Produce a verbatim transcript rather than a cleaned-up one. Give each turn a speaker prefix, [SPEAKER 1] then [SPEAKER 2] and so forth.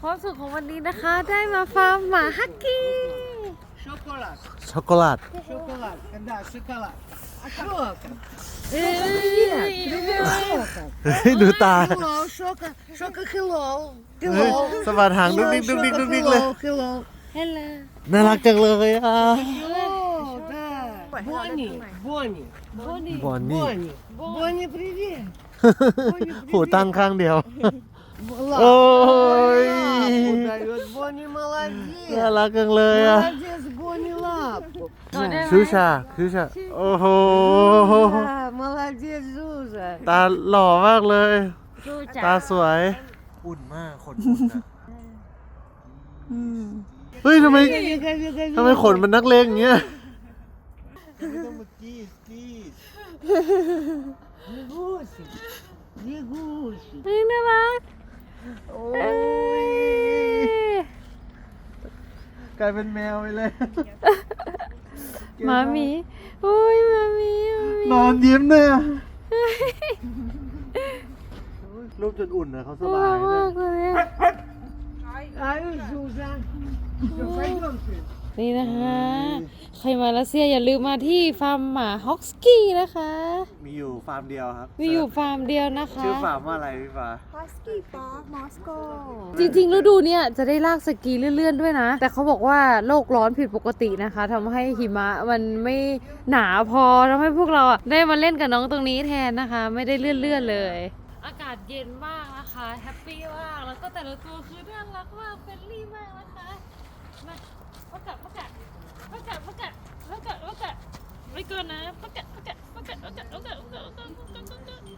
[SPEAKER 1] ความสุขของวันนี้นะคะได้มาฟาร์มหมาฮักกี้
[SPEAKER 2] Шоколад.
[SPEAKER 3] ช็อกโกแลต
[SPEAKER 2] Шоколад. Да, шоколад. А шока.
[SPEAKER 1] เอ้ย
[SPEAKER 2] Шока.
[SPEAKER 3] เฮ้ยดูตา
[SPEAKER 2] Hello, шока. Шока, hello.
[SPEAKER 3] เฮ้ย
[SPEAKER 2] Hello.
[SPEAKER 3] สะบัดหางดุ๊กดิ๊กดุ๊กดิ๊กดุ๊กดิ๊กเลย
[SPEAKER 2] Hello, hello.
[SPEAKER 1] เฮลโล
[SPEAKER 3] น่ารักจังเลยอ่ะ
[SPEAKER 2] О, да. Бонни, Бонни,
[SPEAKER 1] โบนี่
[SPEAKER 3] บอนนี่
[SPEAKER 2] Бонни. Бонни, привет.
[SPEAKER 3] หูตั้งข้างเดียว
[SPEAKER 2] Лапу.
[SPEAKER 3] Ой.
[SPEAKER 2] Лапу дает. Бонни
[SPEAKER 3] น่า
[SPEAKER 2] молодец.
[SPEAKER 3] รักจังเลยอ่ะ
[SPEAKER 2] Молодец, Бонни, лапу.
[SPEAKER 1] กอดได้ไหม
[SPEAKER 3] ชูชาชูชาโอ้โห
[SPEAKER 2] Да, молодец, Зуза.
[SPEAKER 3] ตาหล่อมากเลย
[SPEAKER 1] สู้จ้า
[SPEAKER 3] ตาสวย อุ่นมากขนอุ่นอ่ะเฮ้ยทำไม
[SPEAKER 2] Вега, вега,
[SPEAKER 3] ทำไม
[SPEAKER 2] вега.
[SPEAKER 3] ขนมันนักเลงอย่างเงี้ย
[SPEAKER 2] Лягусик, лягусик.
[SPEAKER 1] เฮ้ยน่ารัก
[SPEAKER 2] Ой.
[SPEAKER 3] กลายเป็นแมวไปเลย
[SPEAKER 1] หมามีโอ้ยหมามีหมามี
[SPEAKER 3] นอนยิ้มเลยอ่ะรูปจนอุ่นนะเขาส
[SPEAKER 1] น่า
[SPEAKER 3] บา
[SPEAKER 1] รั
[SPEAKER 3] ย
[SPEAKER 1] ก
[SPEAKER 3] เล
[SPEAKER 1] มาย กเลยอะ
[SPEAKER 2] Ай, Зуза. Всё, пойдёмте.
[SPEAKER 1] นี่นะคะ ใครมารัสเซียอย่าลืมมาที่ฟาร์มหมาฮอกสกี้นะคะ
[SPEAKER 3] มีอยู่ฟาร์มเดียวครับ
[SPEAKER 1] มีอยู่ฟาร์มเดียวนะคะ
[SPEAKER 3] ชื่อฟาร์มว่าอะไรพี่ฟ้า
[SPEAKER 4] Husky Park Moscow
[SPEAKER 1] จริงๆฤดูเนี้ยจะได้ลากสกีเลื่อนๆด้วยนะ แต่เขาบอกว่าโลกร้อนผิดปกตินะคะทำให้หิมะมันไม่หนาพอทำให้พวกเราอ่ะได้มาเล่นกับน้องตรงนี้แทนนะคะ ไม่ได้เลื่อนๆเลย อากาศเย็นมากนะคะแฮปปี้มากแล้วก็แต่ละตัวคือน่ารักมากเฟรนลี่มากนะคะมาประกาศประกาศประกาศประกาศประกาศประกาศไปก่อนนะประกาศประกาศประกาศประกาศประกาศประกาศ